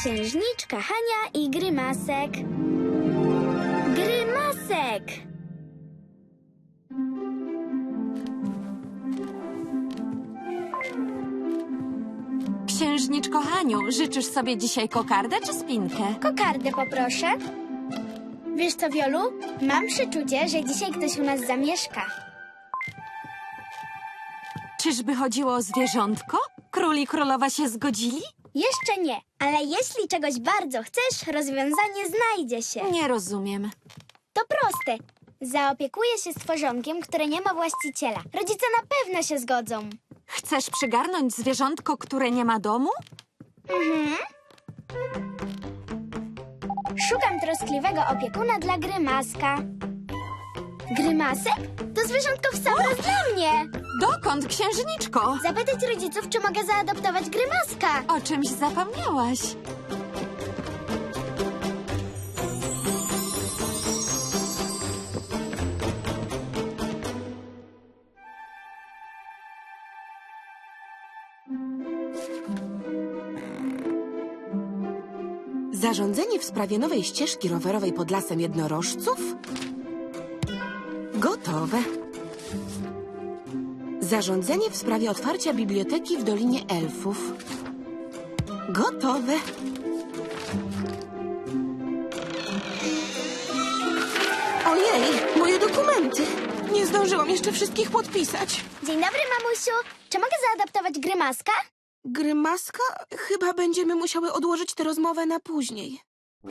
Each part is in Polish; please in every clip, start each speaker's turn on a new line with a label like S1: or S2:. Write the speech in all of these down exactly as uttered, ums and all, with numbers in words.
S1: Księżniczka Hania i Grymasek. Grymasek!
S2: Księżniczko Haniu, życzysz sobie dzisiaj kokardę czy spinkę?
S1: Kokardę poproszę. Wiesz co, Wiolu? Mam przeczucie, że dzisiaj ktoś u nas zamieszka.
S2: Czyżby chodziło o zwierzątko? Król i królowa się zgodzili?
S1: Jeszcze nie, ale jeśli czegoś bardzo chcesz, rozwiązanie znajdzie się.
S2: Nie rozumiem.
S1: To proste. Zaopiekuję się stworzonkiem, które nie ma właściciela. Rodzice na pewno się zgodzą.
S2: Chcesz przygarnąć zwierzątko, które nie ma domu?
S1: Mhm. Szukam troskliwego opiekuna dla Grymaska. Grymasek? To zwierzątko w sam raz dla mnie.
S2: Dokąd, księżniczko?
S1: Zapytać rodziców, czy mogę zaadoptować Grymaska.
S2: O czymś zapomniałaś.
S3: Zarządzenie w sprawie nowej ścieżki rowerowej pod lasem jednorożców? Gotowe. Zarządzenie w sprawie otwarcia biblioteki w Dolinie Elfów. Gotowe. Ojej, moje dokumenty. Nie zdążyłam jeszcze wszystkich podpisać.
S1: Dzień dobry, mamusiu. Czy mogę zaadoptować Grymaska?
S3: Grymaska? Chyba będziemy musiały odłożyć tę rozmowę na później.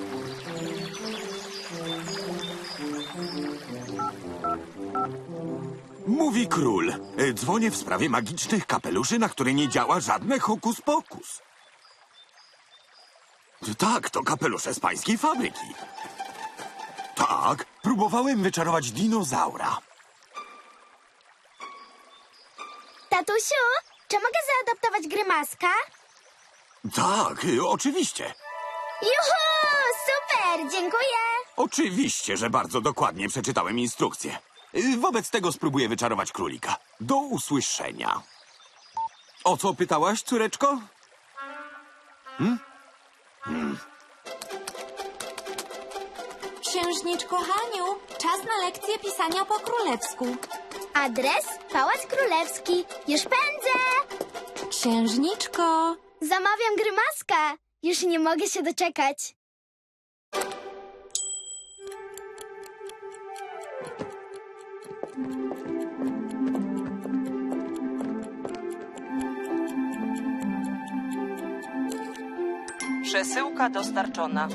S4: Mówi król. E, Dzwonię w sprawie magicznych kapeluszy, na które nie działa żadne hokus pokus. Tak, to kapelusze z pańskiej fabryki. Tak, próbowałem wyczarować dinozaura.
S1: Tatusiu, czy mogę zaadoptować Grymaska?
S4: Tak, e, oczywiście.
S1: Juhu! Super! Dziękuję!
S4: Oczywiście, że bardzo dokładnie przeczytałem instrukcję. E, Wobec tego spróbuję wyczarować królika. Do usłyszenia. O co pytałaś, córeczko? Hmm? Hmm.
S2: Księżniczko Haniu, czas na lekcję pisania po królewsku.
S1: Adres? Pałac Królewski. Już pędzę!
S2: Księżniczko...
S1: Zamawiam Grymaska. Już nie mogę się doczekać.
S5: Przesyłka dostarczona.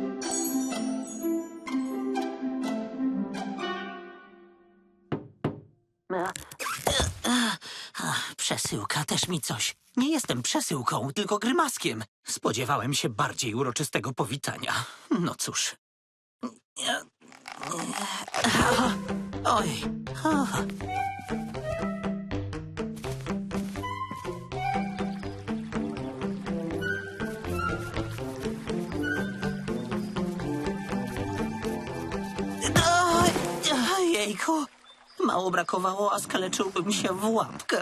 S6: Przesyłka też mi coś. Nie jestem przesyłką, tylko Grymaskiem. Spodziewałem się bardziej uroczystego powitania. No cóż. Oj. Jejku. Mało brakowało, a skaleczyłbym się w łapkę.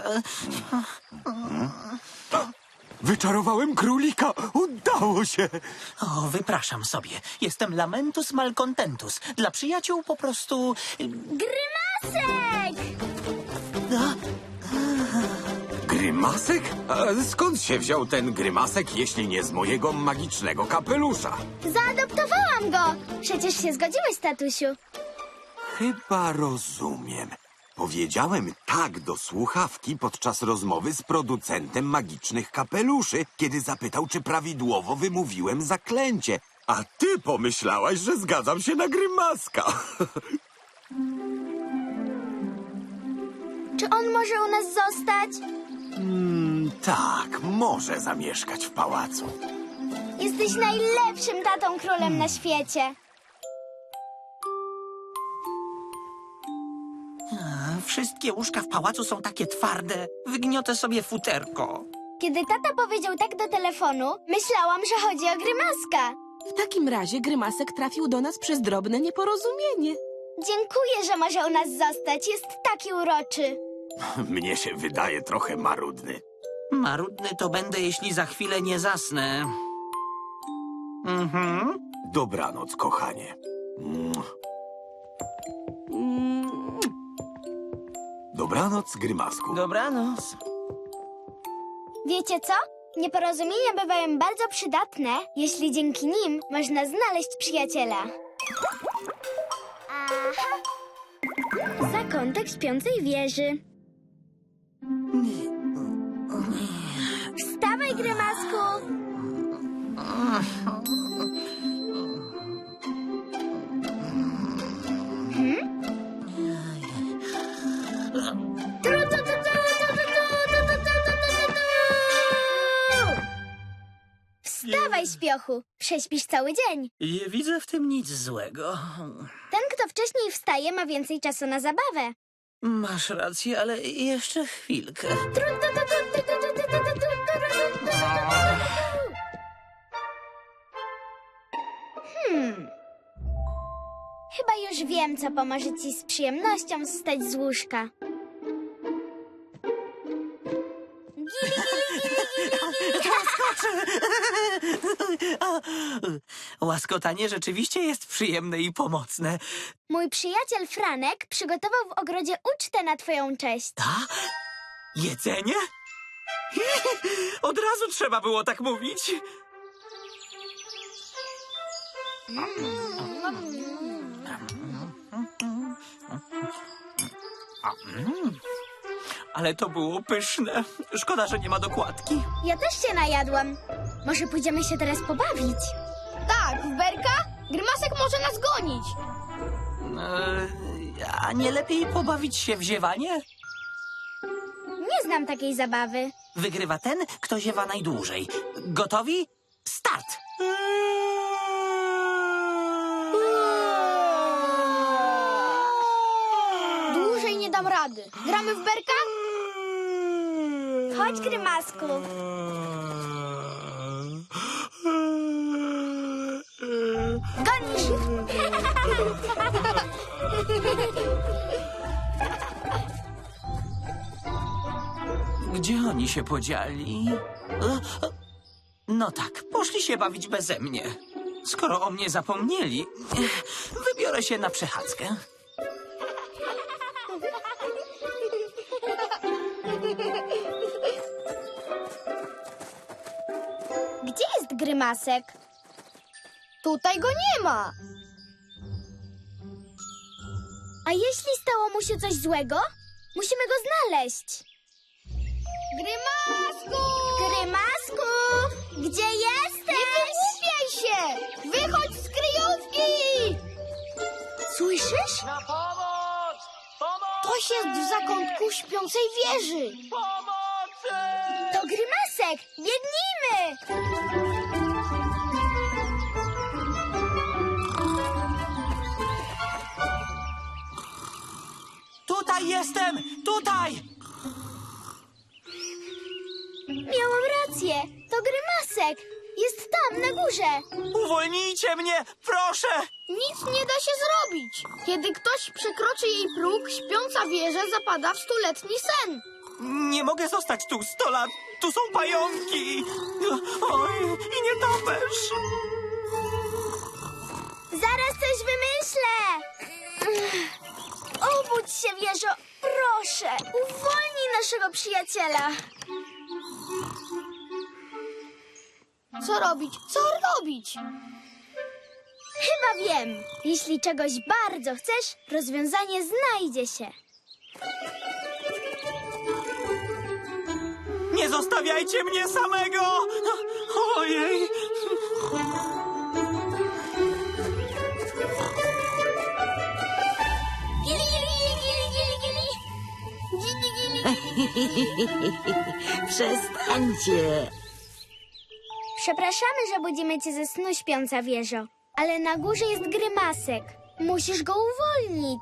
S4: Wyczarowałem królika! Udało się!
S6: O, wypraszam sobie. Jestem Lamentus Malcontentus. Dla przyjaciół po prostu...
S1: Grymasek!
S4: Grymasek? A skąd się wziął ten grymasek, jeśli nie z mojego magicznego kapelusza?
S1: Zaadoptowałam go! Przecież się zgodziłeś, tatusiu.
S4: Chyba rozumiem. Powiedziałem tak do słuchawki podczas rozmowy z producentem magicznych kapeluszy, kiedy zapytał, czy prawidłowo wymówiłem zaklęcie. A ty pomyślałaś, że zgadzam się na grymaska.
S1: Czy on może u nas zostać?
S4: mm, tak, może zamieszkać w pałacu.
S1: Jesteś najlepszym tatą królem na świecie.
S6: Wszystkie łóżka w pałacu są takie twarde. Wygniotę sobie futerko.
S1: Kiedy tata powiedział tak do telefonu, myślałam, że chodzi o Grymaska.
S3: W takim razie Grymasek trafił do nas przez drobne nieporozumienie.
S1: Dziękuję, że może u nas zostać. Jest taki uroczy.
S4: Mnie się wydaje trochę marudny.
S6: Marudny to będę, jeśli za chwilę nie zasnę. Mhm.
S4: Dobranoc, kochanie. Mm. Dobranoc, Grymasku.
S3: Dobranoc.
S1: Wiecie co? Nieporozumienia bywają bardzo przydatne, jeśli dzięki nim można znaleźć przyjaciela. Aha. Zakątek śpiącej wieży. Wstawaj, Grymasku! Hmm? Tru, tu, tu, tu, tu, tu, tu, tu, tu, tu, tu, tu, tu. Wstawaj, śpiochu! Prześpisz cały dzień.
S6: Nie widzę w tym nic złego.
S1: Ten, kto wcześniej wstaje, ma więcej czasu na zabawę.
S6: Masz rację, ale jeszcze chwilkę.
S1: Hmm. Chyba już wiem, co pomoże ci z przyjemnością wstać z łóżka. Gili, gili, gili, gili.
S6: Łaskotanie rzeczywiście jest przyjemne i pomocne.
S1: Mój przyjaciel Franek przygotował w ogrodzie ucztę na twoją cześć.
S6: A? Jedzenie? Od razu trzeba było tak mówić. Ale to było pyszne. Szkoda, że nie ma dokładki.
S1: Ja też się najadłam. Może pójdziemy się teraz pobawić?
S2: Tak, w berka? Grymasek może nas gonić.
S6: Eee, a nie lepiej pobawić się w ziewanie?
S1: Nie znam takiej zabawy.
S6: Wygrywa ten, kto ziewa najdłużej. Gotowi? Start!
S2: Dłużej nie dam rady. Gramy w berka?
S1: Chodź, Grymasku. Gonisz!
S6: Gdzie oni się podzieli? E, e, No tak, poszli się bawić beze mnie. Skoro o mnie zapomnieli, e, wybiorę się na przechadzkę.
S1: Gdzie jest Grymasek?
S2: Tutaj go nie ma.
S1: A jeśli stało mu się coś złego? Musimy go znaleźć.
S2: Grymasku!
S1: Grymasku! Gdzie jesteś?
S2: Nie wygłupiaj się! Wychodź z kryjówki!
S1: Słyszysz?
S5: Na pomoc! Pomoc!
S2: Ktoś jest w zakątku śpiącej wieży.
S5: Pomocy!
S1: To Grymasek! Biegnijmy!
S6: Tutaj jestem! Tutaj!
S1: Miałam rację. To Grymasek. Jest tam, na górze.
S6: Uwolnijcie mnie! Proszę!
S2: Nic nie da się zrobić. Kiedy ktoś przekroczy jej próg, śpiąca wieża zapada w stuletni sen.
S6: Nie mogę zostać tu sto lat! Tu są pająki! Oj, i nietoperz!
S1: Zaraz coś wymyślę. Obudź się, wieżo. Proszę, uwolnij naszego przyjaciela.
S2: Co robić? Co robić?
S1: Chyba wiem. Jeśli czegoś bardzo chcesz, rozwiązanie znajdzie się.
S6: Nie zostawiajcie mnie samego! Ojej!
S1: Gili, gili, gili, gili, gili. Gili, gili.
S7: Przestańcie!
S1: Przepraszamy, że budzimy cię ze snu, śpiąca wieżo. Ale na górze jest Grymasek. Musisz go uwolnić.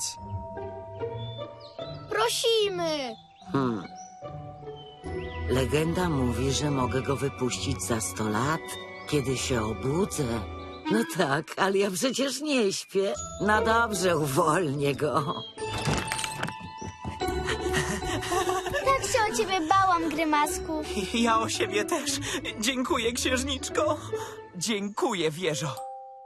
S2: Prosimy.
S7: Hmm. Legenda mówi, że mogę go wypuścić za sto lat, kiedy się obudzę. No tak, ale ja przecież nie śpię. No dobrze, uwolnię go.
S1: Tak się o ciebie bałam, Grymasku.
S6: Ja o siebie też. Dziękuję, księżniczko. Dziękuję, wieżo.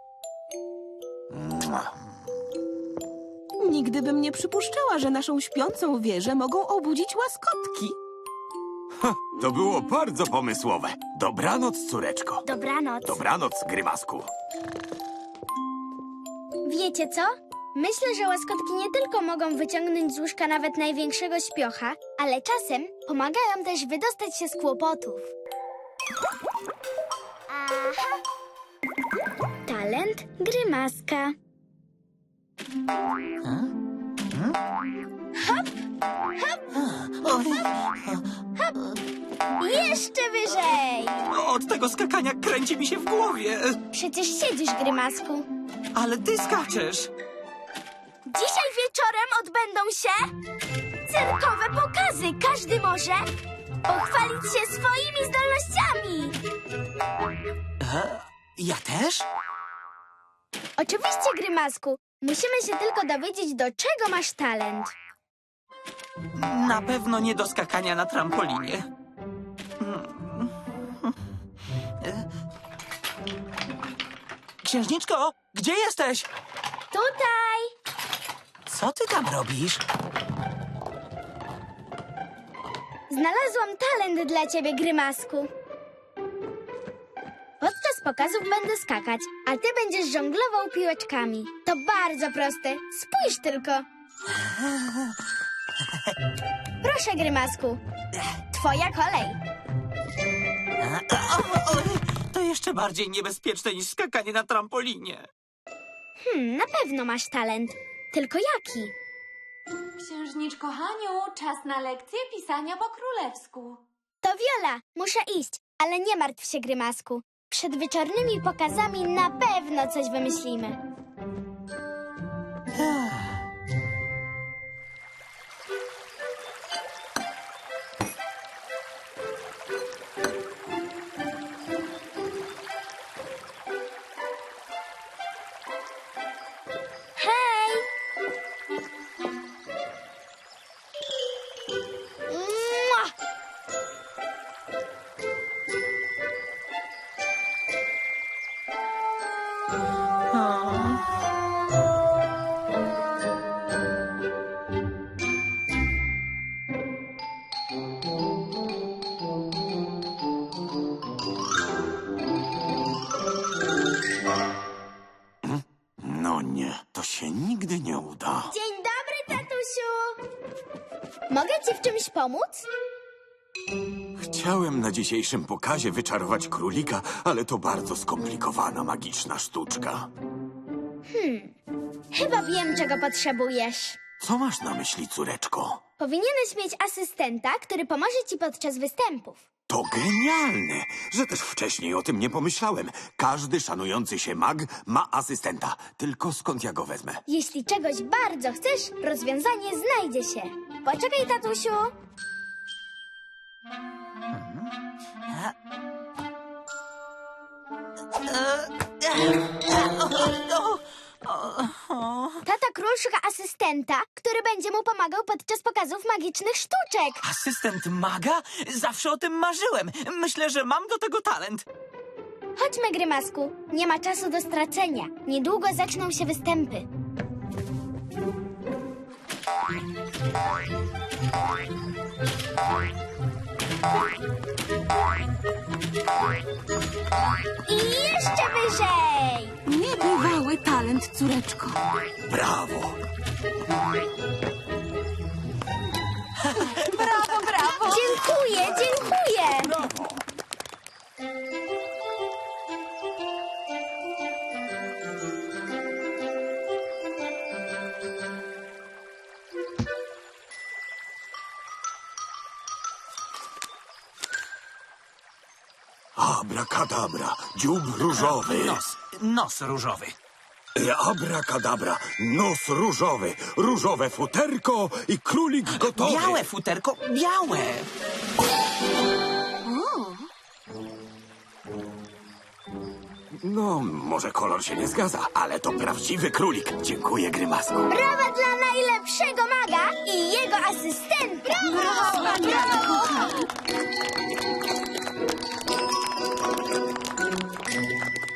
S3: Nigdy bym nie przypuszczała, że naszą śpiącą wieżę mogą obudzić łaskotki.
S4: To było bardzo pomysłowe. Dobranoc, córeczko.
S1: Dobranoc.
S4: Dobranoc, Grymasku.
S1: Wiecie co? Myślę, że łaskotki nie tylko mogą wyciągnąć z łóżka nawet największego śpiocha, ale czasem pomagają też wydostać się z kłopotów. Aha. Talent Grymaska. Jeszcze wyżej!
S6: Od tego skakania kręci mi się w głowie.
S1: Przecież siedzisz, Grymasku.
S6: Ale ty skaczesz.
S1: Dzisiaj wieczorem odbędą się cyrkowe pokazy. Każdy może pochwalić się swoimi zdolnościami.
S6: E, ja też?
S1: Oczywiście, Grymasku. Musimy się tylko dowiedzieć, do czego masz talent.
S6: Na pewno nie do skakania na trampolinie. Księżniczko, gdzie jesteś?
S1: Tutaj!
S6: Co ty tam robisz?
S1: Znalazłam talent dla ciebie, Grymasku. Podczas pokazów będę skakać, a ty będziesz żonglował piłeczkami. To bardzo proste. Spójrz tylko. Proszę, Grymasku. Twoja kolej.
S6: O, o, to jeszcze bardziej niebezpieczne niż skakanie na trampolinie.
S1: Hmm, na pewno masz talent. Tylko jaki?
S8: Księżniczko Haniu, czas na lekcję pisania po królewsku.
S1: To Viola. Muszę iść, ale nie martw się, Grymasku. Przed wieczornymi pokazami na pewno coś wymyślimy. Hej! Mua!
S4: No nie, to się nigdy nie uda.
S1: Dzień dobry, tatusiu! Mogę ci w czymś pomóc?
S4: Chciałem na dzisiejszym pokazie wyczarować królika, ale to bardzo skomplikowana magiczna sztuczka.
S1: Chyba wiem, czego potrzebujesz.
S4: Co masz na myśli, córeczko?
S1: Powinieneś mieć asystenta, który pomoże ci podczas występów.
S4: To genialne, że też wcześniej o tym nie pomyślałem. Każdy szanujący się mag ma asystenta. Tylko skąd ja go wezmę?
S1: Jeśli czegoś bardzo chcesz, rozwiązanie znajdzie się. Poczekaj, tatusiu. Tata król szuka asystenta, który będzie mu pomagał podczas pokazów magicznych sztuczek.
S6: Asystent maga? Zawsze o tym marzyłem. Myślę, że mam do tego talent.
S1: Chodźmy, Grymasku. Nie ma czasu do stracenia. Niedługo zaczną się występy. I jeszcze wyżej!
S3: Niebywały talent, córeczko.
S4: Brawo!
S1: Brawo, brawo! Dziękuję, dziękuję!
S4: Abracadabra, dziób różowy.
S6: Nos, nos różowy.
S4: Abracadabra, nos różowy, różowe futerko i królik gotowy.
S6: Białe futerko, białe.
S4: No, może kolor się nie zgadza, ale to prawdziwy królik. Dziękuję, Grymasku.
S1: Brawa dla najlepszego maga i jego asystenta! Brawo, brawo!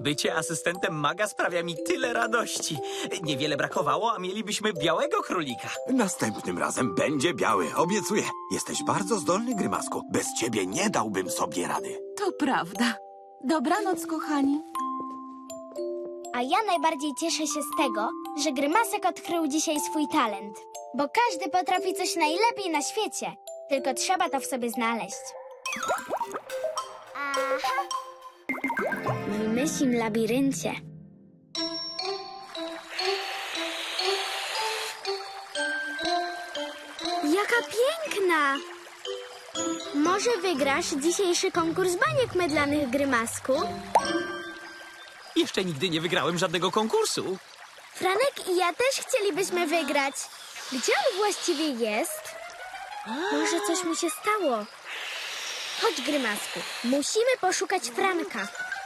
S6: Bycie asystentem maga sprawia mi tyle radości. Niewiele brakowało, a mielibyśmy białego królika.
S4: Następnym razem będzie biały, obiecuję. Jesteś bardzo zdolny, Grymasku. Bez ciebie nie dałbym sobie rady.
S3: To prawda. Dobranoc, kochani.
S1: A ja najbardziej cieszę się z tego, że Grymasek odkrył dzisiaj swój talent. Bo każdy potrafi coś najlepiej na świecie. Tylko trzeba to w sobie znaleźć. Aha! W myślim labiryncie. Jaka piękna! Może wygrasz dzisiejszy konkurs baniek mydlanych, Grymasku?
S6: Jeszcze nigdy nie wygrałem żadnego konkursu.
S1: Franek i ja też chcielibyśmy wygrać. Gdzie on właściwie jest? Może coś mu się stało? Chodź, Grymasku. Musimy poszukać Franka.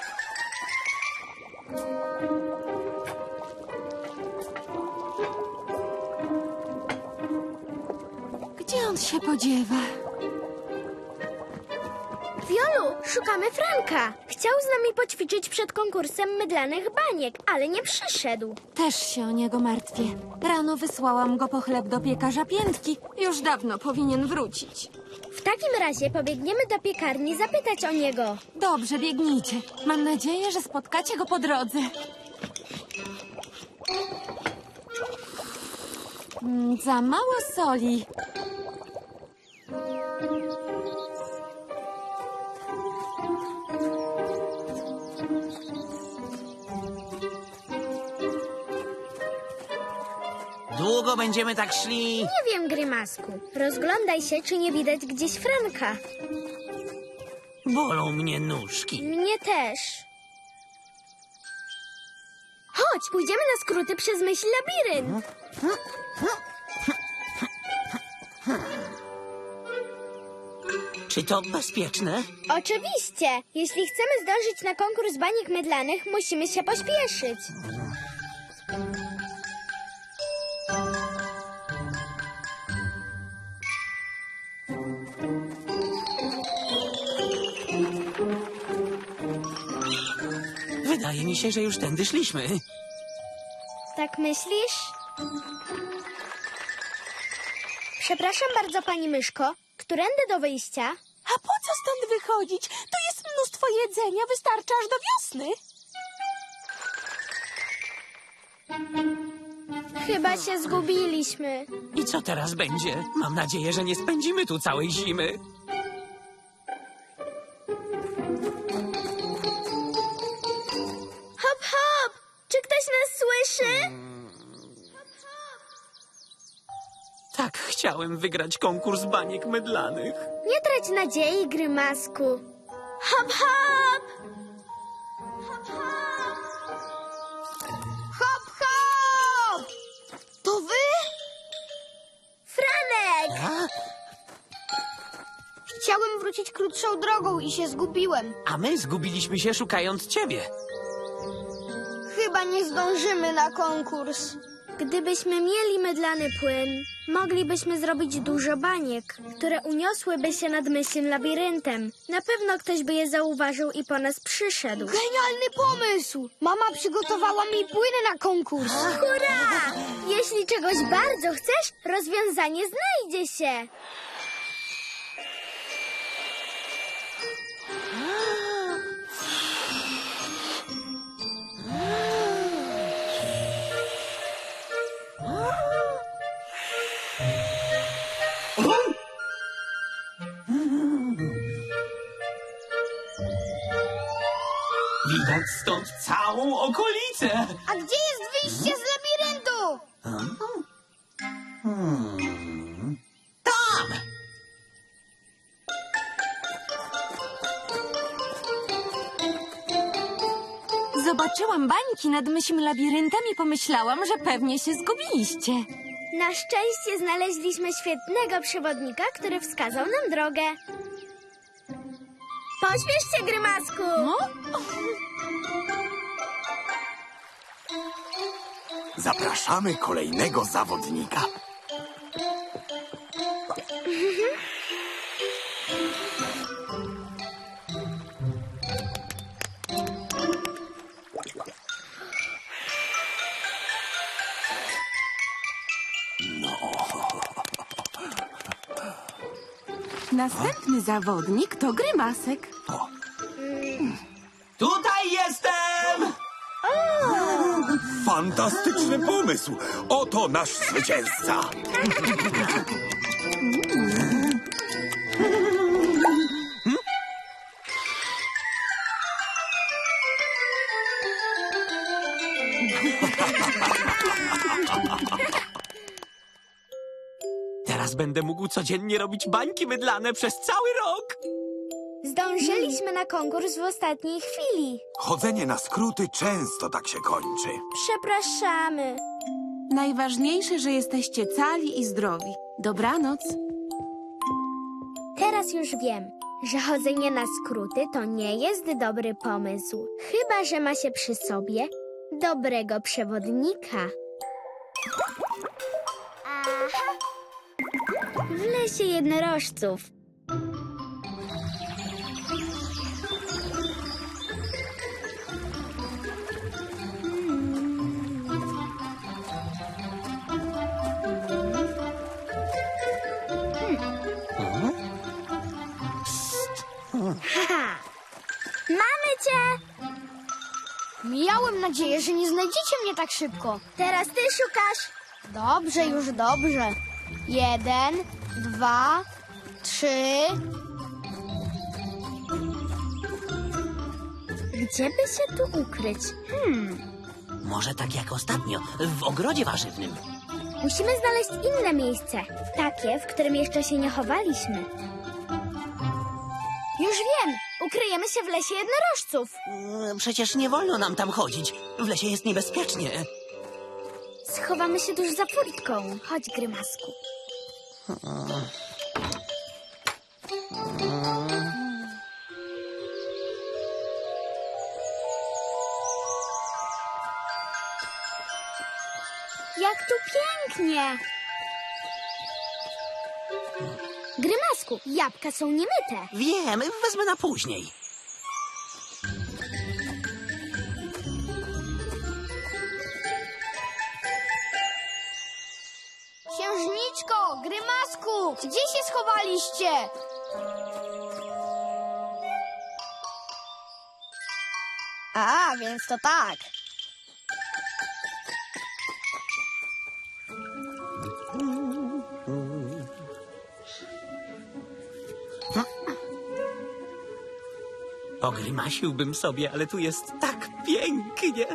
S3: Gdzie on się podziewa?
S1: Wiolu, szukamy Franka. Chciał z nami poćwiczyć przed konkursem mydlanych baniek, ale nie przyszedł.
S3: Też się o niego martwię. Rano wysłałam go po chleb do piekarza Piętki. Już dawno powinien wrócić.
S1: W takim razie pobiegniemy do piekarni zapytać o niego.
S3: Dobrze, biegnijcie. Mam nadzieję, że spotkacie go po drodze. Mm, za mało soli.
S6: Długo będziemy tak szli?
S1: Nie wiem, Grymasku. Rozglądaj się, czy nie widać gdzieś Franka.
S6: Bolą mnie nóżki.
S1: Mnie też. Chodź, pójdziemy na skróty przez myśl labirynt.
S6: Czy to bezpieczne?
S1: Oczywiście. Jeśli chcemy zdążyć na konkurs baniek mydlanych, musimy się pośpieszyć.
S6: Wydaje mi się, że już tędy szliśmy.
S1: Tak myślisz? Przepraszam bardzo, pani myszko. Którędy do wyjścia?
S3: A po co stąd wychodzić? Tu jest mnóstwo jedzenia, wystarczy aż do wiosny.
S1: Chyba się zgubiliśmy.
S6: I co teraz będzie? Mam nadzieję, że nie spędzimy tu całej zimy.
S1: Hop, hop! Czy ktoś nas słyszy?
S6: Tak chciałem wygrać konkurs baniek mydlanych.
S1: Nie trać nadziei, Grymasku. Hop, hop! Hop, hop!
S2: Hop, hop! To wy?
S1: Franek!
S6: A?
S2: Chciałem wrócić krótszą drogą i się zgubiłem.
S6: A my zgubiliśmy się szukając ciebie.
S2: Chyba nie zdążymy na konkurs.
S1: Gdybyśmy mieli mydlany płyn, moglibyśmy zrobić dużo baniek, które uniosłyby się nad myślnym labiryntem. Na pewno ktoś by je zauważył i po nas przyszedł.
S2: Genialny pomysł! Mama przygotowała mi płyny na konkurs.
S1: Hurra! Jeśli czegoś bardzo chcesz, rozwiązanie znajdzie się.
S6: Widać stąd całą okolicę.
S2: A gdzie jest wyjście z labiryntu?
S6: Tam!
S3: Zobaczyłam bańki nad myślim labiryntem i pomyślałam, że pewnie się zgubiliście.
S1: Na szczęście znaleźliśmy świetnego przewodnika, który wskazał nam drogę. Pośpiesz się, Grymasku!
S3: No?
S4: Zapraszamy kolejnego zawodnika.
S9: Następny zawodnik to Grymasek.
S6: Tutaj jestem!
S4: Fantastyczny pomysł! Oto nasz zwycięzca!
S6: Teraz będę mógł codziennie robić bańki mydlane przez cały rok.
S1: Zdążyliśmy na konkurs w ostatniej chwili.
S4: Chodzenie na skróty często tak się kończy.
S1: Przepraszamy.
S9: Najważniejsze, że jesteście cali i zdrowi. Dobranoc.
S1: Teraz już wiem, że chodzenie na skróty to nie jest dobry pomysł. Chyba że ma się przy sobie dobrego przewodnika. Aha. W lesie jednorożców. Haha! Mamy cię!
S2: Miałem nadzieję, że nie znajdziecie mnie tak szybko.
S1: Teraz ty szukasz.
S2: Dobrze, już dobrze. Jeden, dwa, trzy.
S1: Gdzie by się tu ukryć? Hmm,
S6: Może tak jak ostatnio, w ogrodzie warzywnym.
S1: musimy znaleźć inne miejsce. Takie, w którym jeszcze się nie chowaliśmy. Już wiem! Ukryjemy się w lesie jednorożców.
S6: Mm, Przecież nie wolno nam tam chodzić. W lesie jest niebezpiecznie.
S1: Schowamy się tuż za furtką. Chodź, Grymasku. Jak tu pięknie! Grymasku, jabłka są niemyte.
S6: Wiem, wezmę na później.
S2: Księżniczko, Grymasku, gdzie się schowaliście? A, więc to tak.
S6: Pogrymasiłbym sobie, ale tu jest tak pięknie.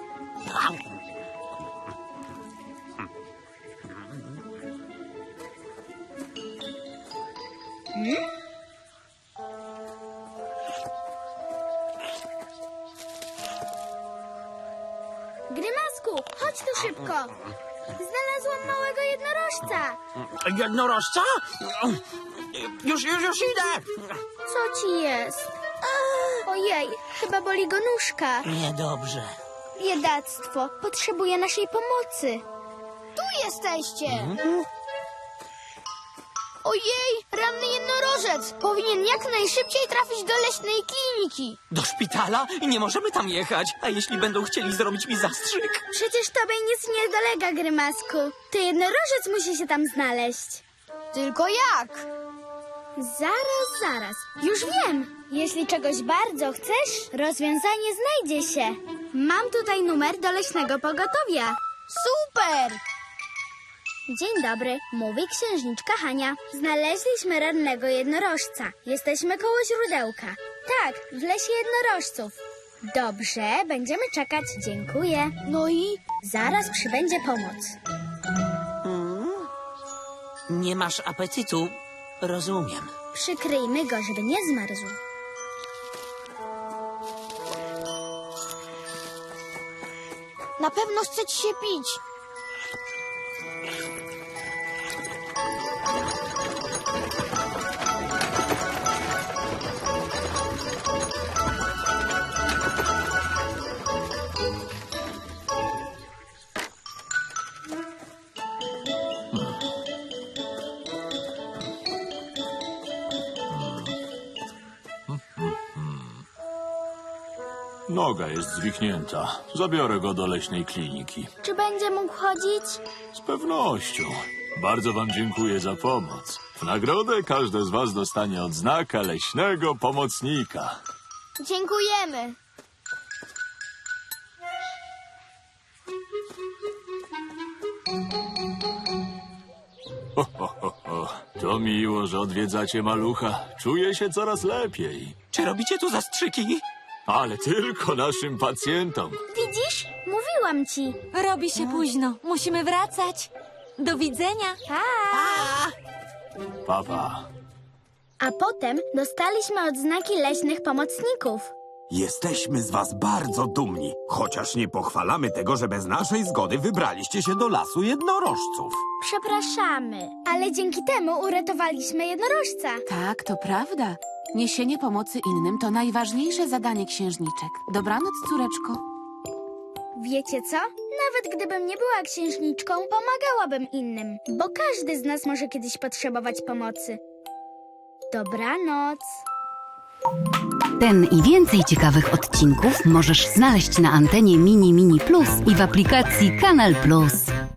S1: Grymasku, chodź tu szybko. Znalazłam małego jednorożca.
S6: Jednorożca? Już, już, już idę!
S1: Co ci jest? Ojej, chyba boli go nóżka.
S6: Niedobrze.
S1: Biedactwo, potrzebuje naszej pomocy.
S2: Tu jesteście. Ojej, ranny jednorożec. Powinien jak najszybciej trafić do leśnej kliniki.
S6: Do szpitala? Nie możemy tam jechać. A jeśli będą chcieli zrobić mi zastrzyk?
S1: Przecież tobie nic nie dolega, Grymasku. To jednorożec musi się tam znaleźć.
S2: Tylko jak?
S1: Zaraz, zaraz. Już wiem. Jeśli czegoś bardzo chcesz, rozwiązanie znajdzie się. Mam tutaj numer do leśnego pogotowia.
S2: Super!
S1: Dzień dobry, mówi księżniczka Hania. Znaleźliśmy rannego jednorożca. Jesteśmy koło źródełka. Tak, w lesie jednorożców. Dobrze, będziemy czekać. Dziękuję.
S2: No i?
S1: Zaraz przybędzie pomoc.
S6: Nie masz apetytu? Rozumiem.
S1: Przykryjmy go, żeby nie zmarzł.
S2: Na pewno chce ci się pić.
S10: Noga jest zwichnięta. Zabiorę go do leśnej kliniki.
S1: Czy będzie mógł chodzić?
S10: Z pewnością. Bardzo wam dziękuję za pomoc. W nagrodę każde z was dostanie odznakę leśnego pomocnika.
S2: Dziękujemy.
S10: Ho, ho, ho, ho. To miło, że odwiedzacie malucha. Czuję się coraz lepiej.
S6: Czy robicie tu zastrzyki?
S10: Ale tylko naszym pacjentom.
S1: Widzisz? Mówiłam ci.
S3: Robi się późno. Musimy wracać. Do widzenia.
S1: Pa!
S10: Papa.
S1: A potem dostaliśmy odznaki leśnych pomocników.
S4: Jesteśmy z was bardzo dumni, chociaż nie pochwalamy tego, że bez naszej zgody wybraliście się do lasu jednorożców.
S1: Przepraszamy, ale dzięki temu uratowaliśmy jednorożca.
S9: Tak, to prawda. Niesienie pomocy innym to najważniejsze zadanie księżniczek. Dobranoc, córeczko.
S1: Wiecie co? Nawet gdybym nie była księżniczką, pomagałabym innym, bo każdy z nas może kiedyś potrzebować pomocy. Dobranoc.
S11: Ten i więcej ciekawych odcinków możesz znaleźć na antenie Mini Mini Plus i w aplikacji Kanal Plus.